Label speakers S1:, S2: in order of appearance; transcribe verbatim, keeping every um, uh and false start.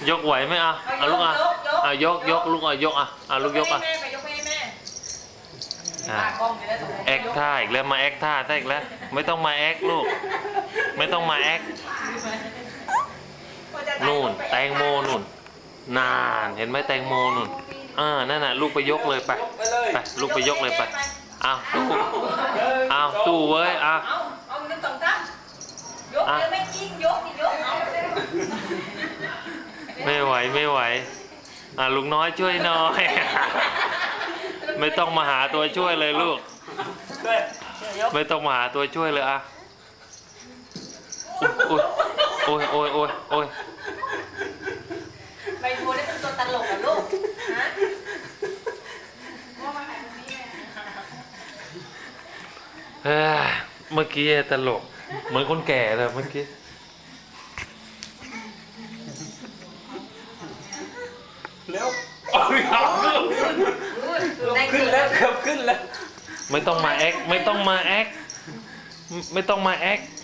S1: ยกไหวไหมอ่ะอ่ะลูกอ่ะอ่ะยกยกลูกอ่ะยกอ่ะอ่ะลูกยกอ่ะแอคท่าอีกแล้วมาแอคท่าได้อีกแล้วไม่ต้องมาแอคลูกไม่ต้องมาแอคนู่นแตงโมนู่นนานเห็นไหมแตงโมนู่นอ่านั่นน่ะลูกไปยกเลยไปไปลูกไปยกเลยไปอ้าวสู้อ้าวสู้เว้ยอ้าวไม่ไหวไม่ไหวอ่ะลุงน้อยช่วยหน่อยไม่ต้องมาหาตัวช่วยเลยลูกไม่ต้องมาหาตัวช่วยเลยอ่ะโอ้ยโอ้ยโอ้ยโอ้ยโอ้ย
S2: ใบบัวนี่เป็นตัวตลกเหรอลูกฮะ
S1: เฮ้ยเมื่อกี้ตลกเหมือนคนแก่เลยเมื่อกี้
S3: เร็วขึ้นแล้วเกือบขึ้นแล้ว
S1: ไม่ต้องมาแอคไม่ต้องมาแอคไม่ต้องมาแอค